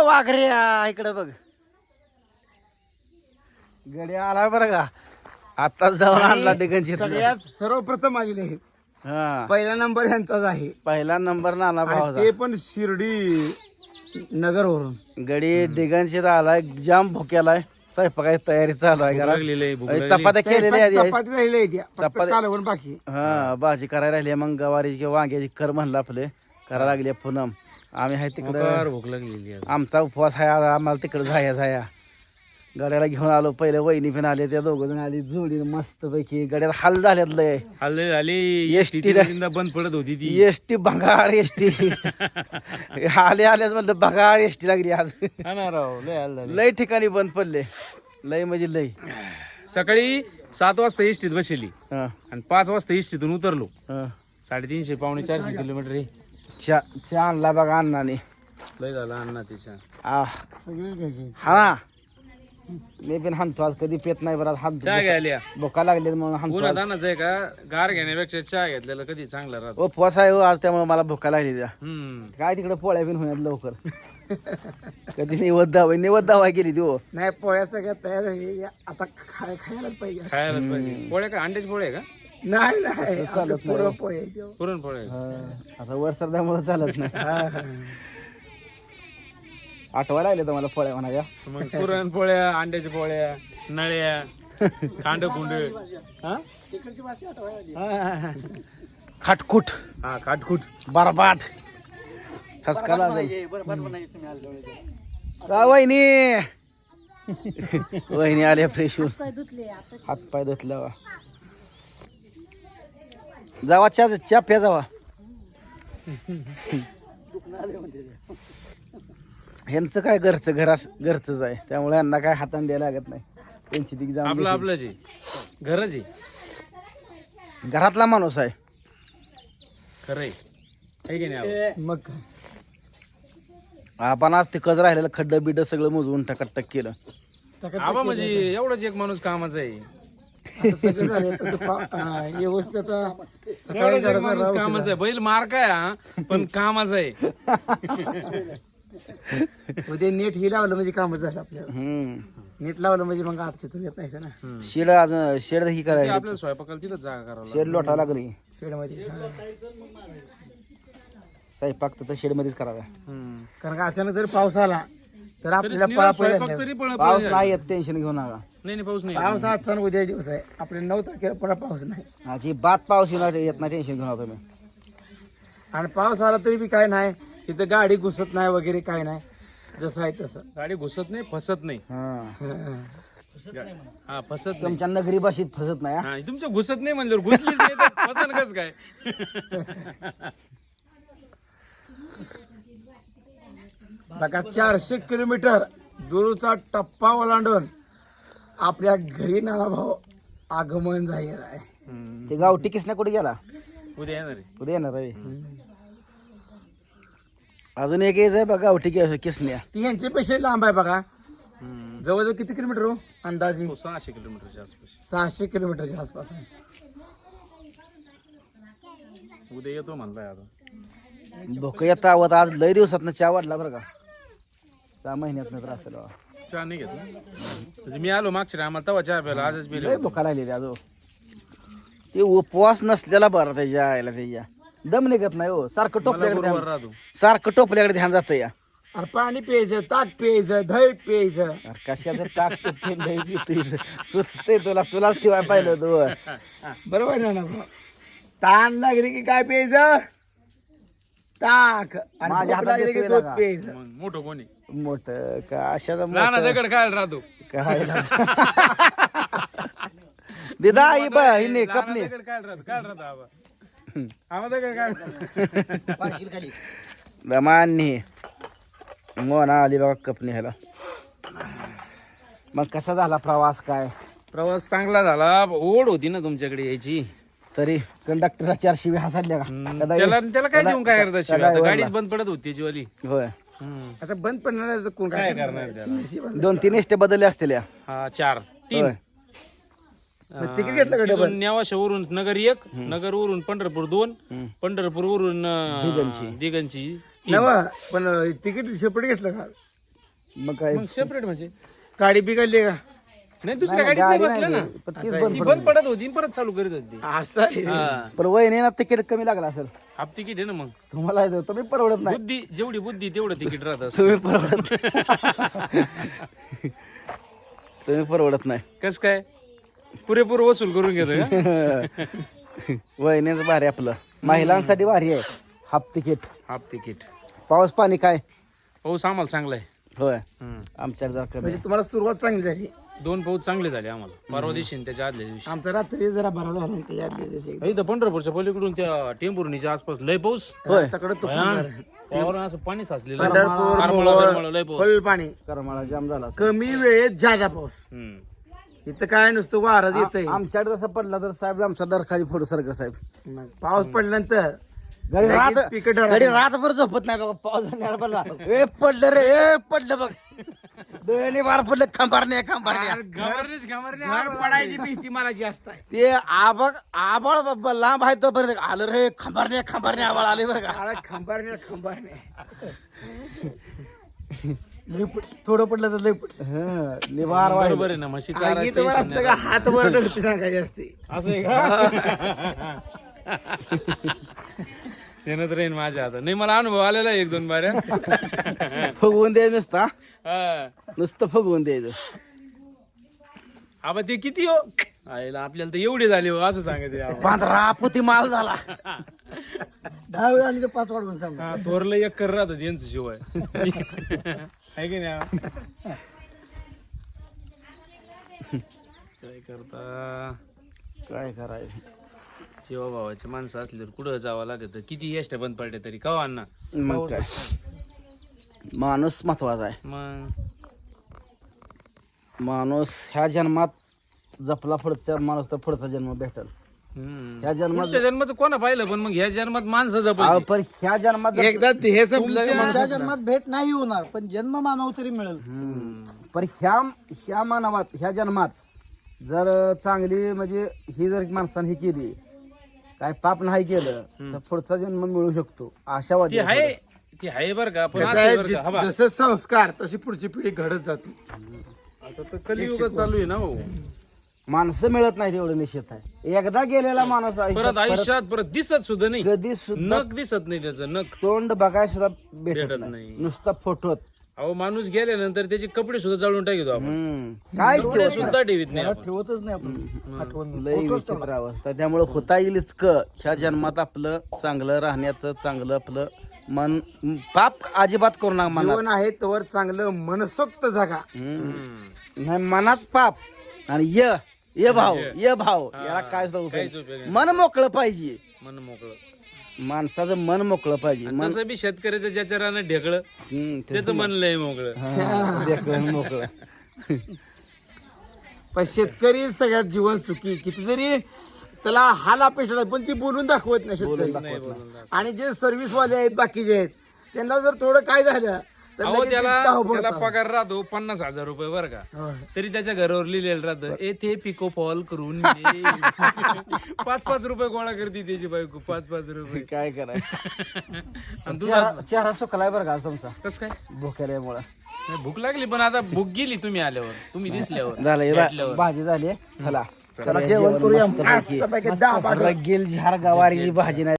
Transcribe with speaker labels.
Speaker 1: वाघऱ्या इकडे बघ. गडी आला बरं का, आताच जाऊन आणला डिगनची.
Speaker 2: सगळ्यात सर्वप्रथम आलेले आहे.
Speaker 1: हा,
Speaker 2: पहिला नंबर ह्यांचाच आहे.
Speaker 1: पहिला नंबर नाना
Speaker 2: आणि
Speaker 1: भाऊचा.
Speaker 2: ते पण शिर्डी नगरवरून.
Speaker 1: गडी डिगनशीत आलाय, जाम भुक्यालाय. स्वयंपाकाची तयारी चालू आहे घरात. चपात्या केलेल्या आहेत.
Speaker 2: चपाती राहिली आहे त्या. फक्त
Speaker 1: चपाती-
Speaker 2: कालवण बाकी.
Speaker 1: हा, भाजी करायला राहिली. मग गवारीची किंवा वांग्याची कर म्हणलं आपले करायला लागली पूनम. आम्ही आहे तिकडं,
Speaker 3: भूक लागलेली आहे.
Speaker 1: आमचा उपवास आहे आज. आम्हाला तिकडे जाया गड्याला घेऊन आलो. पहिले वहिनी पण आले, त्या दोघ जण आली जोडी मस्त पैकी. गड्यात हाल झाल्यात लय.
Speaker 3: हल्ले झाली
Speaker 1: एसटी
Speaker 3: बंद पडत होती ती.
Speaker 1: एसटी भंगार एसटी आल्याच म्हणलं भंगार एसटी लागली आज.
Speaker 3: हा ना राव, लय हाल झाले.
Speaker 1: लय ठिकाणी बंद पडले, लय म्हणजे लय.
Speaker 3: सकाळी 7 वाजता एसटीत बसली
Speaker 1: हा,
Speaker 3: आणि 5 वाजता एसटीतून उतरलो.
Speaker 1: हा.
Speaker 3: 350 पावणे 400 किलोमीटर आहे.
Speaker 1: चहा आणला बघा अण्णाने.
Speaker 3: लय झाला अण्णा तिच्या.
Speaker 1: हा ना, मी पण हाणतो आज. कधी पेत नाही बरं, हात
Speaker 3: चहा घ्यायला
Speaker 1: भोका लागले म्हणून हाणतो
Speaker 3: उन्हात
Speaker 1: आज.
Speaker 3: आणायचं आहे का, गार घेण्यापेक्षा चहा घेतलेला कधी चांगला राहतो.
Speaker 1: उपवास आहे हो आज, त्यामुळे मला भोका लागली त्या.
Speaker 3: हम्म.
Speaker 1: काय तिकडे पोळ्या बिन होण्यात लवकर. कधी निवद दावा केली ती हो.
Speaker 2: नाही, पोळ्या सगळ्या तयार झालेल्या. आता खायलाच पाहिजे.
Speaker 3: खायलाच पाहिजे. पोळ्या का अंड्याची पोळ्या का
Speaker 2: नाही नाही,
Speaker 1: चालत नाही.
Speaker 2: पुरणपोळी आहे त्यो.
Speaker 3: पुरणपोळ्या.
Speaker 1: आता वर सरद्यामुळे चालत नाही. आठवायला लागले तुम्हाला पोळ्या म्हणाच्या.
Speaker 3: मग पुरणपोळ्या, अंड्याच्या पोळ्या, नळ्या, खांडकुंड. हा
Speaker 1: खाटकुट,
Speaker 3: हा, खाटखुट.
Speaker 1: बरबाट, ठसकाला वहिनी. वहिनी आल्या फ्रेश होऊन, हात पाय धुतल्या. जावा चहा प्या जावा. ह्यांचं काय घरचंच आहे, त्यामुळे यांना काय हाताने द्यायला लागत नाही. त्यांची ती जाऊन
Speaker 3: आपलं आपलं जे घरच आहे.
Speaker 1: घरातला माणूस आहे.
Speaker 3: खरंय आहे की नाही.
Speaker 2: मग काय.
Speaker 1: आपण आज ते कज राहिलेलं खड्डं बिड्ड सगळं मोजवून टकाटक केलं.
Speaker 3: आबा म्हणजे एवढंच एक माणूस कामाचा आहे.
Speaker 2: आता सगळं झालंय, पण ते व्यवस्थित आता सकाळी
Speaker 3: एवढंच एक माणूस कामाचा आहे. बैल मार काय हा, पण कामाचा आहे.
Speaker 2: उद्या नेट ही लावलं म्हणजे कामच झालं आपल्याला. नेट लावलं म्हणजे मग आठशे येत नाही का ना.
Speaker 1: शेड अजून शेड ही करायची,
Speaker 3: आपल्याला स्वयंपाकाला तिथं जागा करावं
Speaker 1: शेड लोटा लागली.
Speaker 2: शेडमध्ये.
Speaker 1: स्वयंपाक तर शेड मध्येच करावा.
Speaker 3: लागतं.
Speaker 2: कारण का अचानक जर पाऊस आला तर आपल्याला
Speaker 3: स्वयंपाक तरी
Speaker 1: पाऊस नाही येत, टेन्शन घेऊ नका.
Speaker 3: नाही पाऊस नाही.
Speaker 2: पाऊस आजचा उद्या दिवस आहे. आपल्या 9 तारखेला पुन्हा पाऊस नाही.
Speaker 1: अजिबात पाऊस येत नाही, टेन्शन घेऊ नका तुम्ही.
Speaker 2: आणि पाऊस आला तरी बी काय नाही, इथं गाडी घुसत नाही वगैरे काय नाही, जसं आहे तसं.
Speaker 3: गाडी घुसत नाही, फसत नाही. हा, फसत नाही.
Speaker 1: तुमच्या नगरी भाषेत फसत नाही.
Speaker 3: हा, तुमच्या घुसत नाही म्हणजे घुसलीच नाही तर फसन कस काय.
Speaker 2: बघा 400 किलोमीटर दूरचा टप्पा ओलांडून आपल्या घरी नाना भाऊ आगमन जाहीर आहे.
Speaker 1: ते गावठी किसना कुठे गेला?
Speaker 3: उद्या येणार आहे.
Speaker 1: उद्या येणार आहे. अजून एक आहे बघा गावठी किसन्या.
Speaker 2: ती यांचे पैसे लांब आहे बघा. जवळजवळ किती किलोमीटर हो अंदाजे?
Speaker 3: 600 किलोमीटरच्या आसपास.
Speaker 2: 600 किलोमीटरच्या आसपास आहे.
Speaker 3: उद्या येतो म्हणताय आता.
Speaker 1: भोक येता आवत आज लय दिवसात चहा वाढला बरं का. 6 महिन्यात तर असेल बाबा.
Speaker 3: चहा नाही घेतला म्हणजे मी आलो मागच्या आम्हाला तेव्हा चहा प्यायला. आजच
Speaker 1: लय
Speaker 3: पिले.
Speaker 1: भोका लागली अजून. ते उपवास नसलेला बरा त्याच्या आईला, त्याच्या दम निघत नाही हो. सारखं टोपल्याकडे
Speaker 3: राहतो.
Speaker 1: सारखं टोपल्याकडे ध्यान जातं या.
Speaker 2: अरे पाणी प्यायचं, ताक प्यायचं, दही प्यायचं.
Speaker 1: अरे कशाचं ताक सुचते तुलाच ठेवायला पाहिलं होतं.
Speaker 2: बरोबर ना भाऊ. ताण लागली की काय प्यायचं? ताक. आणि
Speaker 1: माझ्या
Speaker 2: भूक
Speaker 1: हातात
Speaker 2: लागली की
Speaker 1: देतोय
Speaker 2: दूध
Speaker 1: ना का?
Speaker 2: प्यायचं.
Speaker 3: मग मोठं कोणी
Speaker 1: मोठ का अशाचं
Speaker 3: लहान
Speaker 1: मोठं
Speaker 3: दगड खायला राहतो.
Speaker 1: काय दिदा ही बा हिने कपनी
Speaker 3: दगड खायला राहतो. काय राहतो आबा आम्हा दगड काय.
Speaker 1: दमानी मोना आली बघा कपनी ह्याला. मग कसा झाला प्रवास? काय
Speaker 3: प्रवास चांगला झाला. ओढ होती ना तुमच्याकडे यायची.
Speaker 1: तरी कंडक्टरला 400 हसायला का?
Speaker 3: त्याला काय देऊन काय करतात शिवाय. आता गाडीच बंद पडत होती त्याची वाली.
Speaker 1: होय,
Speaker 2: आता बंद पडणार कोण
Speaker 3: काय करणार त्याला.
Speaker 1: 2-3 एसटे बदलले असतील या.
Speaker 3: हा 4-3
Speaker 1: होय.
Speaker 2: तिकीट घेतलं का डबल?
Speaker 3: नेवाशावरून नगर 1, नगरवरून पंढरपूर 2, पंढरपूरवरून दिगंची.
Speaker 2: नवा पण तिकीट सेपरेट घेतलं का?
Speaker 1: मग काय
Speaker 3: मग सेपरेट म्हणजे
Speaker 2: गाडी बिघडली का
Speaker 3: नाही दुसऱ्या गाडीत
Speaker 1: गाडी
Speaker 3: नाही बसलं
Speaker 1: नाही
Speaker 3: ना
Speaker 1: ती, पण तीच
Speaker 3: ती
Speaker 1: बंद
Speaker 3: बंद पडत होती आणि परत चालू करीत होती
Speaker 2: असं आहे
Speaker 3: हा.
Speaker 1: पण वहिनीला तिकीट कमी लागला असेल
Speaker 3: हाफ तिकीट आहे ना मग
Speaker 1: तुम्हाला आहे, तुम्ही परवडत नाही
Speaker 3: बुद्धी जेवढी बुद्धी तेवढं तिकीट राहत असतं.
Speaker 1: तुम्ही परवडत तुम्ही परवडत नाही
Speaker 3: कस काय पुरेपूर वसूल करून घेतो का
Speaker 1: वहिनीच भारी आपलं महिलांसाठी भारी आहे हाफ तिकीट
Speaker 3: हाफ तिकीट
Speaker 1: पाऊस पाणी काय
Speaker 3: पाऊस आम्हाला चांगला आहे
Speaker 1: होय आमच्याकडे जरा कमी
Speaker 2: म्हणजे तुम्हाला सुरुवात चांगली झाली
Speaker 3: 2 पाऊस चांगले झाले आम्हाला परवा दिवशी आणि त्याच्या आदल्या दिवशी
Speaker 2: आमचा रात्री जरा बरा झाला आणि त्याच्या आदल्या दिवशी
Speaker 3: इथं पंढरपूरच्या पलीकडून त्या टेंभुर्णीच्या आसपास लय पाऊस
Speaker 1: होय
Speaker 2: तकडं तो
Speaker 3: वावरावर असं पाणी साचलेलं
Speaker 2: पंढरपूर
Speaker 3: आरमाळा बिरमाळा लय पाऊस
Speaker 2: फुल पाणी
Speaker 1: करमाळा जाम झाला
Speaker 2: कमी वेळेत जादा पाऊस
Speaker 3: हम्म.
Speaker 2: इथं काय नुसतं वारं येतंय
Speaker 1: आमच्याकडे जसं पडला तर साहेब आमचा दरखाली फोडू सारखं साहेब
Speaker 2: पाऊस पडल्यानंतर
Speaker 1: गडी
Speaker 2: लगेच
Speaker 1: रात
Speaker 2: पिकं ठरवली.
Speaker 1: गडी रातभर झोपत नाही बघा पावसाने पडला ए पडलं रे ए पडलं बघ दोन्ही बार पडलं खंबारणे
Speaker 2: घर पडायची भीती मला जास्त आहे
Speaker 1: ते आबाळ बाबा लांब आहे तोपर्यंत आलं रे खंबारणे आबाळ आले बरं का
Speaker 2: मला खंबारणे लय पडली थोडं पडलं तर लय पडलं
Speaker 1: निवार
Speaker 3: बरोबर आहे ना म्हशी चारायचं
Speaker 2: इथं वर असतं का हात वर ढकलती सांगायची असते
Speaker 3: असं आहे का येणं तर येईन माझ्या हातात नाही मला अनुभव आलेला आहे 1-2 बाऱ्या
Speaker 1: फुगवून द्यायचं नुसतं हा?
Speaker 3: हा.
Speaker 1: नुसतं फुगवून द्यायचं
Speaker 3: आबा ते किती हो आईला आपल्याला तर एवढे झाले हो असं सांगायचे आबा.
Speaker 1: 15 पोती माल झाला
Speaker 2: 10 वेळ आली तर 5 वाढवून सांग
Speaker 3: हा थोरलं एक कर राहत यांचं शिवाय आहे की नाही आबा? काय करता
Speaker 1: काय करायचं
Speaker 3: जेव्हा भावाची माणसं असल्यावर कुठं जावं लागत किती एसट्या बंद पडल्या तरी का अण्णा
Speaker 1: मग काय माणूस महत्वाचा आहे
Speaker 3: मग
Speaker 1: माणूस ह्या जन्मात जपला पुढचा माणूस तर पुढचा जन्म भेटल ह्या जन्मात
Speaker 3: पुढच्या जन्माचं कोणा पाहिलं पण मग ह्या जन्मात माणसं
Speaker 1: अहो,
Speaker 3: जपायची
Speaker 1: पण ह्या जन्मात
Speaker 2: एकदा हे संपलं की
Speaker 3: तुमच्या
Speaker 2: माणसाच्या जन्मात भेट नाही होणार पण जन्म मानव तरी मिळेल
Speaker 1: पण ह्या मानवात ह्या जन्मात जर चांगली म्हणजे ही जर माणसाने ही केली काय पाप नाही केलं तर पुढचा जन्म मिळू शकतो आशावादी आहे.
Speaker 3: ती आहे बरं का पण
Speaker 2: कसं
Speaker 3: असं
Speaker 2: आहे,
Speaker 3: आहे बरं का, हा बा.
Speaker 2: जसे संस्कार तशी पुढची पिढी घडत जाते
Speaker 3: आता तर कलियुग चालू आहे ना हो
Speaker 1: माणसं मिळत नाही तेवढं निश्चित आहे एकदा गेलेला माणूस
Speaker 3: परत आयुष्यात परत दिसत सुद्धा नाही
Speaker 1: कधी सुद्धा
Speaker 3: नख दिसत नाही त्याचं नख
Speaker 1: तोंड बघायला सुद्धा भेटत
Speaker 3: भेटत
Speaker 1: नाही
Speaker 3: नाही.
Speaker 1: नुसता फोटोत
Speaker 3: अहो माणूस गेल्यानंतर त्याचे कपडे सुद्धा जाळून टाकतो आपण
Speaker 1: काय
Speaker 3: कपडे सुद्धा ठेवीत नाही आपण.
Speaker 2: ठेवतच नाही आपण आठवण
Speaker 1: लय विचित्र अवस्था त्यामुळे होता येईल इतकं ह्या जन्मात आपलं चांगलं राहण्याचं चांगलं आपलं मन पाप अजिबात करू नका मनात
Speaker 2: जीवन आहे तवर चांगलं मनसोक्त जागा
Speaker 1: नाही मनात पाप आणि ये भाव याला काय सुद्धा उपयोग
Speaker 3: काहीच
Speaker 1: नाही.
Speaker 3: उपयोग नाही.
Speaker 1: मन मोकळं पाहिजे
Speaker 3: मन मोकळं
Speaker 1: माणसाचं मन मोकळं पाहिजे मन
Speaker 3: तसं बी शेतकऱ्याचं ज्याच्या रानं ढेकळं त्याचं मन लय मोकळं
Speaker 1: देखणं मोकळं
Speaker 2: पण शेतकरी सगळ्यात जीवन सुखी किती जरी त्याला हाल अपेक्षा पण ती बोलून दाखवत नाही शेतकरी आणि जे सर्व्हिस वाले आहेत बाकीचे आहेत त्यांना जर थोडं काय झालं तर
Speaker 3: अहो
Speaker 2: लगेच
Speaker 3: त्याला
Speaker 2: धाव
Speaker 3: त्याला
Speaker 2: पडतात.
Speaker 3: पगार राहतो 50,000 रुपये बरं का
Speaker 2: होय.
Speaker 3: तरी त्याच्या घरावर लिहिलेलं राहतं येथे पिको फॉल करून 5-5 रुपये गोळा करते त्याची बायको 5-5 रुपये
Speaker 1: काय करायचं
Speaker 3: आणि तुझा
Speaker 1: चेहरा सुकलाय बरं का तुमचा
Speaker 3: कस काय
Speaker 1: भुकेल्यामुळं
Speaker 3: नाही, भूक लागली पण आता भूक गेली तुम्ही आल्यावर तुम्ही दिसल्यावर
Speaker 1: झालं हे
Speaker 3: भेटल्यावर.
Speaker 1: भाजी झाली चला
Speaker 2: चला जेवण करूया
Speaker 1: मस्तपैकी.
Speaker 2: मस्तपैकी 10
Speaker 1: रगेल झार गवारीची भाजी नाही